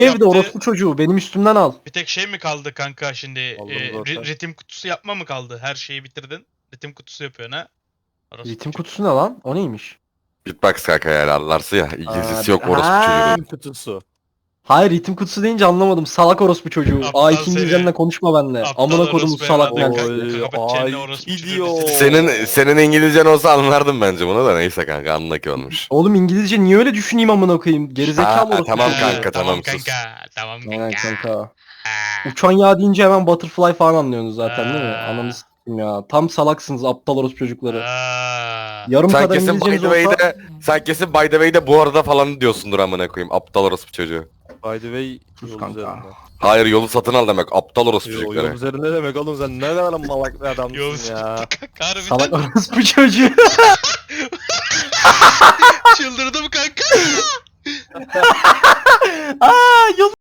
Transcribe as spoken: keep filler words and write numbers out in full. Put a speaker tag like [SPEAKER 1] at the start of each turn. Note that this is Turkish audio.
[SPEAKER 1] Evde
[SPEAKER 2] yaptı.
[SPEAKER 1] orospu çocuğu benim üstümden al.
[SPEAKER 2] Bir tek şey mi kaldı kanka şimdi?
[SPEAKER 3] Aldım
[SPEAKER 2] E,
[SPEAKER 3] zaten.
[SPEAKER 2] ri- ritim kutusu yapma mı kaldı? Her şeyi bitirdin. Ritim kutusu yapıyorsun ha? Orası
[SPEAKER 1] Ritim
[SPEAKER 2] küçük.
[SPEAKER 1] kutusu ne lan? O neymiş?
[SPEAKER 4] Beatbox kanka yani anlarsın ya. İngilizcesi
[SPEAKER 1] Aa,
[SPEAKER 4] yok orospu
[SPEAKER 1] ha.
[SPEAKER 4] çocuğu.
[SPEAKER 3] Kutusu.
[SPEAKER 1] Hayır ritim kutusu deyince anlamadım. Salak orospu çocuğu.
[SPEAKER 2] Aptal
[SPEAKER 1] A iki
[SPEAKER 2] seni.
[SPEAKER 1] İngilizcenle konuşma benimle.
[SPEAKER 2] Aptal
[SPEAKER 1] Amına kodum
[SPEAKER 2] orospu
[SPEAKER 1] salak
[SPEAKER 2] evladı.
[SPEAKER 1] ne?
[SPEAKER 3] Oy,
[SPEAKER 2] Kapat çeneni
[SPEAKER 3] ay,
[SPEAKER 2] orospu
[SPEAKER 3] gidiyor.
[SPEAKER 2] çocuğu.
[SPEAKER 4] Senin senin İngilizcen olsa anlardım bence bunu da neyse kanka anlaki olmuş.
[SPEAKER 1] Oğlum İngilizce niye öyle düşüneyim amına koyayım? Gerizekalı
[SPEAKER 4] Ha,
[SPEAKER 1] orospu
[SPEAKER 4] tamam
[SPEAKER 1] çocuğu.
[SPEAKER 4] kanka,
[SPEAKER 2] tamam
[SPEAKER 4] tamam, sus.
[SPEAKER 2] kanka. Tamam kanka.
[SPEAKER 1] Aynen kanka.
[SPEAKER 2] Ha.
[SPEAKER 1] Uçan yağ deyince hemen butterfly falan anlıyorsunuz zaten değil mi?
[SPEAKER 2] Aa.
[SPEAKER 1] Ananı s**tim ya. Tam salaksınız aptal orospu çocukları.
[SPEAKER 2] Aa.
[SPEAKER 1] Yarım
[SPEAKER 4] Sen
[SPEAKER 1] kadar
[SPEAKER 4] kesin by the
[SPEAKER 1] İngilizceniz olsa...
[SPEAKER 4] way'de sen kesin by the way'de bu arada falan diyorsundur amına koyayım. Aptal orospu çocuğu.
[SPEAKER 3] By the way
[SPEAKER 1] Sus
[SPEAKER 3] yol
[SPEAKER 1] kanka.
[SPEAKER 3] üzerinde.
[SPEAKER 4] Hayır yolu satın al demek. Aptal orospu
[SPEAKER 3] Yo, yol
[SPEAKER 4] çocukları.
[SPEAKER 3] üzerinde demek oğlum sen ne kadar malak bir
[SPEAKER 2] Yol
[SPEAKER 3] adamsın ya.
[SPEAKER 2] kanka harbiden
[SPEAKER 1] Salak orospu çocuğu.
[SPEAKER 2] çıldırdım kanka.
[SPEAKER 1] Aa yol